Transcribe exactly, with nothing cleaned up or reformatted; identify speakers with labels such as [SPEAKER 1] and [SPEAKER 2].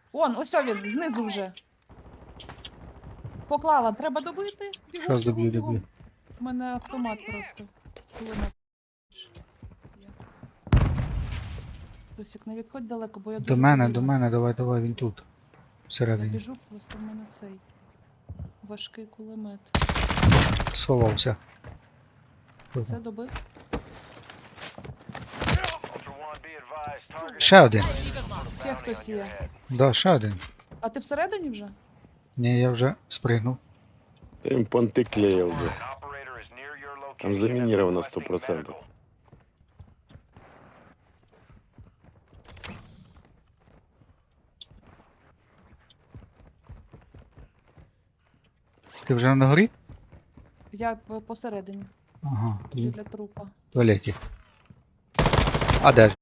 [SPEAKER 1] Он, ось він, знизу вже. Поклала, треба добити. Бігом,
[SPEAKER 2] Щас
[SPEAKER 1] бігом,
[SPEAKER 2] доб'ю,
[SPEAKER 1] бігом.
[SPEAKER 2] доб'ю.
[SPEAKER 1] У мене автомат просто. Кулемет. Є. Тусік, не відходь далеко, бо я дуже
[SPEAKER 2] До мене,
[SPEAKER 1] повільна.
[SPEAKER 2] до мене, давай, давай, він тут.
[SPEAKER 1] Я
[SPEAKER 2] Всередині.
[SPEAKER 1] біжу, просто в мене цей важкий кулемет.
[SPEAKER 2] Сховався.
[SPEAKER 1] Це добив?
[SPEAKER 2] Ще один.
[SPEAKER 1] Є хтось є.
[SPEAKER 2] Да, ще один.
[SPEAKER 1] А ти всередині вже?
[SPEAKER 2] Ні, я вже спригнув.
[SPEAKER 3] Та їм понти клея вже. Там заминировано сто процентов.
[SPEAKER 2] Ти вже на горі?
[SPEAKER 1] Я п- посередині.
[SPEAKER 2] Ага, тоді
[SPEAKER 1] Біля трупа.
[SPEAKER 2] в туалеті. А де ж?